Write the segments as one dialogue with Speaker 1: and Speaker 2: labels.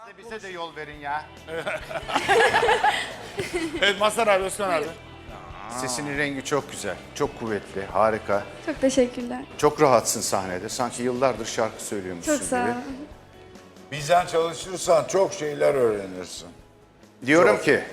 Speaker 1: Bize de yol verin ya.
Speaker 2: Evet Mazhar abi, Özkan abi.
Speaker 1: Sesinin rengi çok güzel, çok kuvvetli, harika.
Speaker 3: Çok teşekkürler.
Speaker 1: Çok rahatsın sahnede. Sanki yıllardır şarkı söylüyormuşsun
Speaker 3: Çok sağ
Speaker 1: gibi.
Speaker 3: ol.
Speaker 4: Bizden çalışırsan çok şeyler öğrenirsin.
Speaker 1: Diyorum
Speaker 4: Çok.
Speaker 1: ki,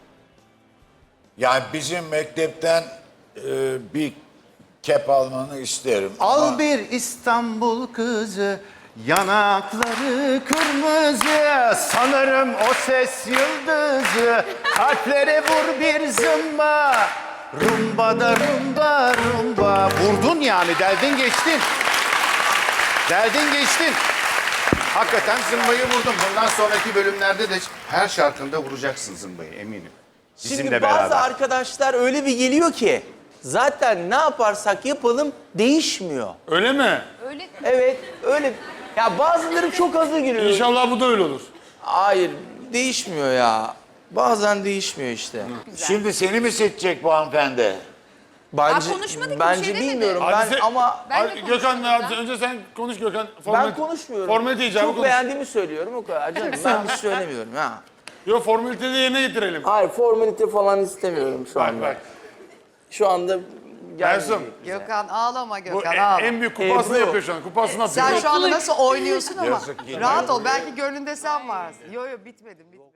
Speaker 4: Yani bizim mektepten bir kep almanı isterim.
Speaker 1: al
Speaker 4: Ama
Speaker 1: bir İstanbul kızı, yanakları kırmızı. Sanırım o ses yıldızı, kalplere vur bir zımba. Rumba da rumba rumba. Vurdun yani, deldin geçtin. Deldin geçtin. Hakikaten zımbayı vurdum. Bundan sonraki bölümlerde de her şarkında vuracaksın zımbayı, eminim.
Speaker 5: Şimdi
Speaker 1: Bizimle
Speaker 5: bazı
Speaker 1: beraber.
Speaker 5: arkadaşlar öyle bir geliyor ki zaten ne yaparsak yapalım değişmiyor.
Speaker 2: Öyle mi?
Speaker 5: Evet öyle. Ya bazıları çok hızlı giriyor.
Speaker 2: İnşallah bu da öyle olur.
Speaker 5: Hayır değişmiyor ya. Bazen değişmiyor işte.
Speaker 4: şimdi seni mi seçecek bu hanımefendi?
Speaker 5: Bence,
Speaker 6: konuşmadık ki, bir
Speaker 5: bence
Speaker 6: şey demedi.
Speaker 5: bilmiyorum
Speaker 2: Hadi
Speaker 5: ben
Speaker 2: sen-
Speaker 5: ama
Speaker 6: Ben de
Speaker 2: Hadi Gökhan abi, önce sen konuş Gökhan.
Speaker 5: ben konuşmuyorum.
Speaker 2: Formalite icabı
Speaker 5: Çok
Speaker 2: konuş.
Speaker 5: beğendiğimi söylüyorum o kadar canım. Ben bir şey söylemiyorum ha.
Speaker 2: Yok, formaliteyi de yerine getirelim.
Speaker 5: Hayır formalite falan istemiyorum şu
Speaker 2: Bak
Speaker 5: anda.
Speaker 2: bak.
Speaker 5: Şu anda
Speaker 2: Ersun,
Speaker 6: Gökhan ağlama
Speaker 2: bu
Speaker 6: Gökhan ağlama.
Speaker 2: en büyük kupasını
Speaker 5: Ebru.
Speaker 2: yapıyor şu an. Kupasını atıyor.
Speaker 6: Sen şu anda nasıl oynuyorsun ama
Speaker 4: Yazık,
Speaker 6: rahat ol belki gönlünde sen varsın. Yo yo bitmedi.